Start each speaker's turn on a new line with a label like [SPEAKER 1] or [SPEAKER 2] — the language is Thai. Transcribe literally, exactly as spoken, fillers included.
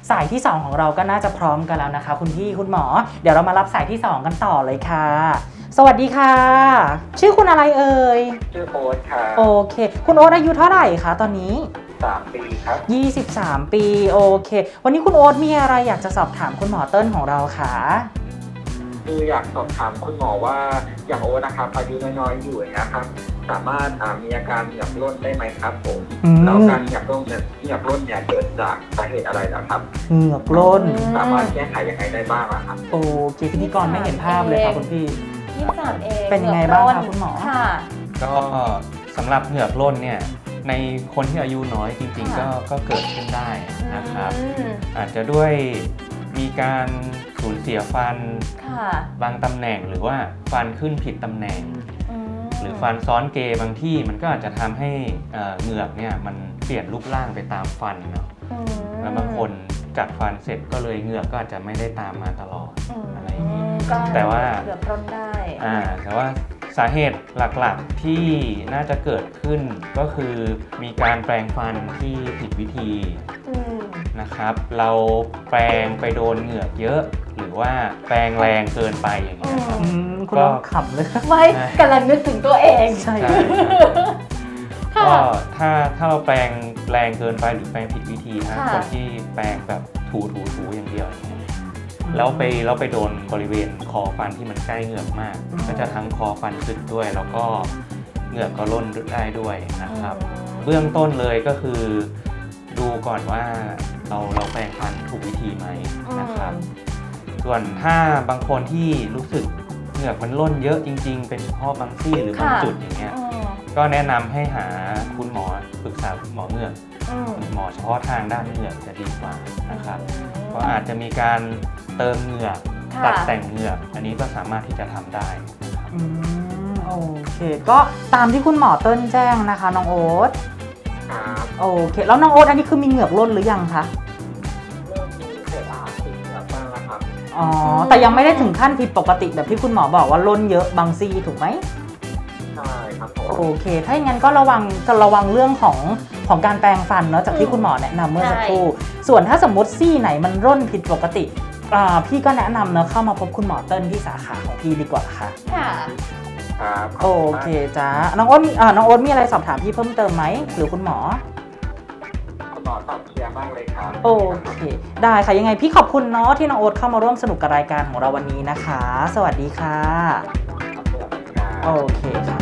[SPEAKER 1] สายที่สองของเราก็น่าจะพร้อมกันแล้วนะคะคุณพี่คุณหมอเดี๋ยวเรามารับสายที่สองกันต่อเลยค่ะสวัสดีค่ะชื่อคุณอะไรเอ่ย
[SPEAKER 2] ชื่อโอ๊ตค่ะ
[SPEAKER 1] โอเคคุณโอ๊ตอายุเท่าไหร่คะตอนนี้
[SPEAKER 2] สามปีครับ
[SPEAKER 1] ยี่สิบสามปีโอเควันนี้คุณโอ๊ตมีอะไรอยากจะสอบถามคุณหมอเติ้ลของเราคะ
[SPEAKER 2] คืออยากสอบถามคุณหมอว่าอย่างโอ๊ตนะครับอายุน้อยๆอยู่อย่างเงี้ยครับสามารถมีอาการเหงือกร่นได้ไหมครับผมแล้วการเหงือกร่นเนี่ยเหงือกร่นเนี่ยเกิดจากสาเหตุอะไรนะครับ
[SPEAKER 1] เหงือกร่น
[SPEAKER 2] สามารถแก้ไขยังไงได้บ้างครับ
[SPEAKER 1] โอเคพิธีกรไม่เห็นภาพเลยค่ะคุณพี่
[SPEAKER 3] ยี่สิบสามเอง
[SPEAKER 1] เป็นยังไงบ้างคะคุณหมอ
[SPEAKER 3] ค่ะ
[SPEAKER 4] ก็สำหรับเหงือกร่นเนี่ยในคนที่อายุน้อยจริงๆก็ก็เกิดขึ้นได้นะครับอาจจะด้วยมีการสูญเสียฟันบางตำแหน่งหรือว่าฟันขึ้นผิดตำแหน่งหรือฟันซ้อนเกบางที่มันก็อาจจะทำให้เหงือกเนี่ยมันเปลี่ยนรูปร่างไปตามฟันเนาะแล้วบางคนจัดฟันเสร็จก็เลยเหงือกก็อาจจะไม่ได้ตามมาตลอดอะไรอย่างนี้แต่ว่า
[SPEAKER 3] เหงือกร่นได้
[SPEAKER 4] อ่าแต่ว่าสาเหตุหลักๆที่น่าจะเกิดขึ้นก็คือมีการแปรงฟันที่ผิดวิธีนะครับเราแปรงไปโดนเหงือกเยอะหรือว่าแปรงแรงเกินไปอย่างเงี้ยครับ
[SPEAKER 1] คุณลองขำเลย
[SPEAKER 3] ไม่กำลังนึกถึงตัวเอง
[SPEAKER 1] ใช่
[SPEAKER 4] ก็ถ้าถ้าเราแปรงแรงเกินไปหรือแปรงผิดวิธีนะคนที่แปรงแบบถูถูถูอย่างเดียวแล้วไปแล้วไปโดนบริเวณคอฟันที่มันใกล้เหงือกมากก็จะทั้งคอฟันสึกด้วยแล้วก็เหงือกก็ร่นได้ด้วยนะครับเบื้องต้นเลยก็คือดูก่อนว่าเราเราแปรงฟันถูกวิธีไหมนะครับส่วนถ้าบางคนที่รู้สึกเหงือกมันร่นเยอะจริงๆเป็นเฉพาะบางซี่หรือบางจุดอย่างเงี้ยก็แนะนำให้หาคุณหมอปรึกษาคุณหมอเหงือกหมอเฉพาะทางด้านเหงือกจะดีกว่านะครับก็อาจจะมีการเติมเหงือกตัดแต่งเหงือกอันนี้ก็สามารถที่จะทำได้นะครับ
[SPEAKER 1] โอเคก็ตามที่คุณหมอเติ้ลแจ้งนะคะน้องโอ๊ตโอเคแล้วน้องโอ๊ตอันนี้คือมีเหงือกร่นหรือยังคะ
[SPEAKER 2] เริ่มมีเศษอาหารติดเหงือกบ้างแล้วครับ
[SPEAKER 1] อ๋อแต่ยังไม่ได้ถึงขั้นผิดปกติแบบที่คุณหมอบอกว่าร่นเยอะบางซี่ถูกไหม
[SPEAKER 2] ใช่ครับผม
[SPEAKER 1] โอเคถ้าอย่างนั้นก็ระวังจะระวังเรื่องของของการแปรงฟันเนาะจากที่คุณหมอแนะนำเมื่อสักครู่ส่วนถ้าสมมติซี่ไหนมันร่นผิดปกติพี่ก็แนะนำเนาะเข้ามาพบคุณหมอเติ้ลที่สาขาของพี่ดีกว่าค่ะ
[SPEAKER 3] ค่ะ
[SPEAKER 2] ครับ
[SPEAKER 1] โอเคจ้าน้องโอ๊ตน้องโอ๊ตมีอะไรสอบถามพี่เพิ่มเติมไหมหรือคุณหมอ
[SPEAKER 2] คุณหมอตอบเคลียร์มากเลยครับ
[SPEAKER 1] โอเคได้ค่ะยังไงพี่ขอบคุณเนาะที่น้องโอ๊ตเข้ามาร่วมสนุกกับรายการของเราวันนี้นะคะสวัสดีค่ะโอเคค่ะ